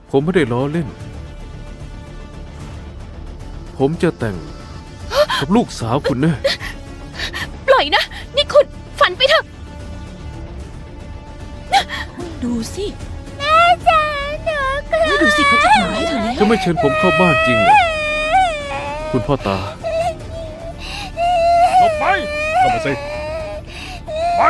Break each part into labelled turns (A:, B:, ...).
A: ผมไม่ได้ล้อเล่น ผมจะแต่งกับลูกสาวคุณนะ
B: ปล่อยนะ นี่คุณฝันไปเถอะ ดูสิแม่จ๋าหนูกลัวดูสิเขาจะทำร้ายเธอแล้ว
A: จะไม่เชิญผมเข้าบ้านจริงเหรอคุณพ่อตา
C: หลบไปเข้ามาสิไป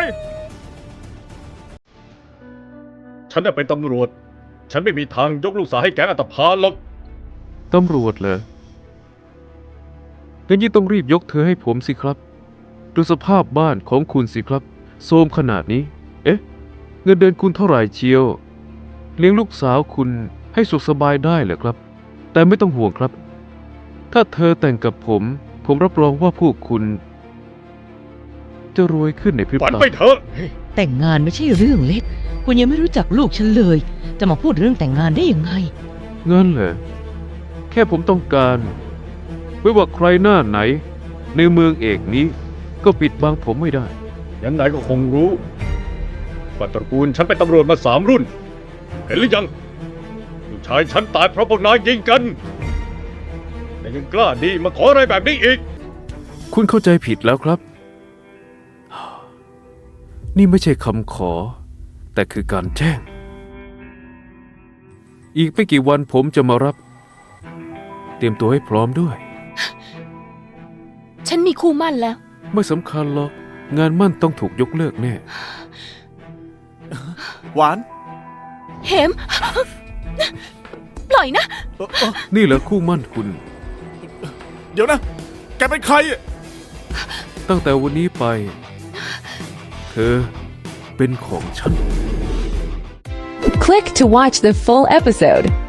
C: ฉันน่ะเป็นตำรวจ ฉันไม่มีทางยกลูกสาวให้แก๊งอัตภานหรอก
A: ตำรวจเหรองั้นยิ่งต้องรีบยกเธอให้ผมสิครับ ดูสภาพบ้านของคุณสิครับโทรมขนาดนี้ เอ๊ะ เงินเดือนคุณเท่าไหร่เชียว เลี้ยงลูกสาวคุณให้สุขสบายได้เหรอครับ แต่ไม่ต้องห่วงครับ ถ้าเธอแต่งกับผมรับรองว่าพวกคุณจะรวยขึ้นในพริบ
C: ฝัน
A: ตา
C: ไปเถอะ
D: แต่งงานไม่ใช่เรื่องเล็ก คุณยังไม่รู้จักลูกฉันเลย จะมาพูดเรื่องแต่งงานได้ยังไง
A: งั้นเหรอ แค่ผมต้องการไม่ว่าใครหน้าไหน ในเมืองเอกนี้ ก็ปิดบังผมไม่ได้
C: ยังไงก็คงรู้ว่าตระกูลฉันเป็นตำรวจมา3 รุ่น เห็นหรือยังลูกชายฉันตายเพราะพวกนายยิงกัน แต่ยังกล้าดีมาขออะไรแบบนี้อีก
A: คุณเข้าใจผิดแล้วครับ นี่ไม่ใช่คำขอ แต่คือการแจ้ง อีกไม่กี่วันผมจะมารับ เตรียมตัวให้พร้อมด้วย
B: ฉันมีคู่มั่นแล้ว
A: ไม่สำคัญหรอก งานมั่นต้องถูกยกเลิกแน่
E: หวาน
B: เหม ปล่อยนะ
A: นี่เหรอคู่มั่นคุณ
E: เดี๋ยวนะ แกเป็นใครอะ
A: ตั้งแต่วันนี้ไป เธอเป็นของฉัน
F: Click to watch the full episode.